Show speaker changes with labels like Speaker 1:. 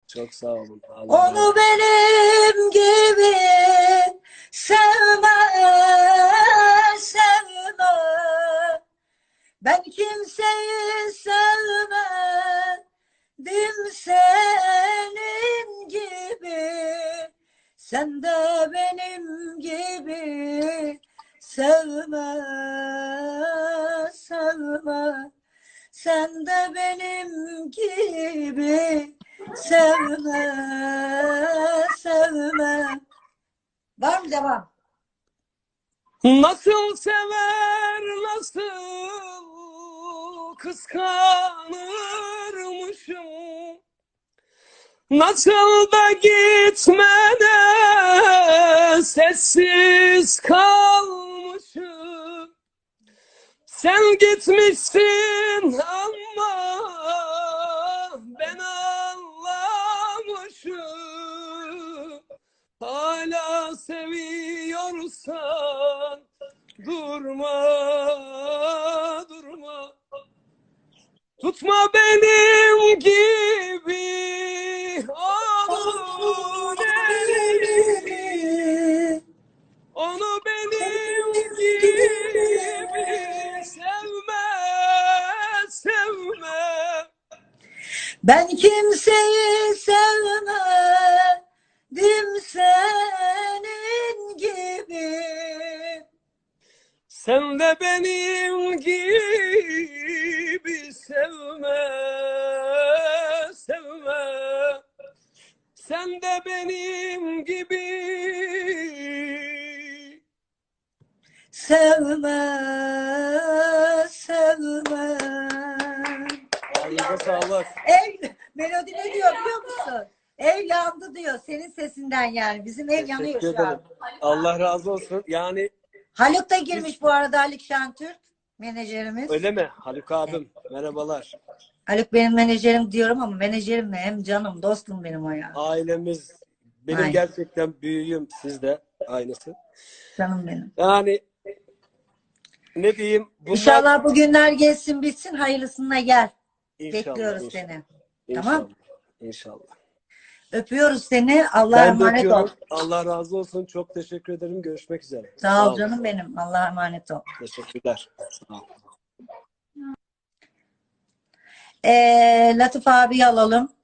Speaker 1: Çok sağ olun. Allah razı
Speaker 2: Onu
Speaker 1: olsun.
Speaker 2: benim gibi sevme, sevme. Ben kimseyi sevmedim senin gibi. Sen de benim gibi sevme, sevme. Sen de benim gibi sevme, sevme. Var mı devam?
Speaker 1: Nasıl sever, nasıl kıskanırmışım. Nasıl da gitmene sessiz kalmışım. Sen gitmişsin ama ben anlamışım. Hala seviyorsan durma, durma. Tutma benim gibi onun elini. Onu benim gibi sevme, sevme.
Speaker 2: Ben kimseyi sevmedim senin gibi.
Speaker 1: Sen de benim gibi sevme, sevme. Sen de benim gibi
Speaker 2: Sevme, sevme.
Speaker 1: Ağzınıza sağlık.
Speaker 2: Melodi ne diyor biliyor musun? Ev yandı diyor. Senin sesinden yani. Bizim ev yanıyor
Speaker 1: Teşekkür
Speaker 2: şu
Speaker 1: ederim.
Speaker 2: an.
Speaker 1: Allah razı olsun. Yani
Speaker 2: Haluk da girmiş bu arada, Haluk Şentürk menajerimiz.
Speaker 1: öyle mi? Haluk abim. Merhabalar.
Speaker 2: Haluk benim menajerim diyorum ama menajerim ne? Hem canım, dostum benim o ya.
Speaker 1: Ailemiz. Benim
Speaker 2: Aynen.
Speaker 1: gerçekten büyüğüm. Siz de aynısı.
Speaker 2: Canım benim.
Speaker 1: Yani ne diyeyim? Bunlar
Speaker 2: İnşallah bu günler geçsin bitsin. Hayırlısına gel.
Speaker 1: İnşallah,
Speaker 2: Bekliyoruz
Speaker 1: inşallah.
Speaker 2: seni.
Speaker 1: İnşallah.
Speaker 2: Tamam.
Speaker 1: İnşallah.
Speaker 2: Öpüyoruz seni. Allah'a
Speaker 1: Ben de
Speaker 2: emanet ol.
Speaker 1: öpüyorum. Allah razı olsun. Çok teşekkür ederim. Görüşmek üzere.
Speaker 2: Sağ ol
Speaker 1: olun.
Speaker 2: canım benim. Allah'a emanet ol.
Speaker 1: Teşekkürler. Sağ ol.
Speaker 2: Latif abi alalım.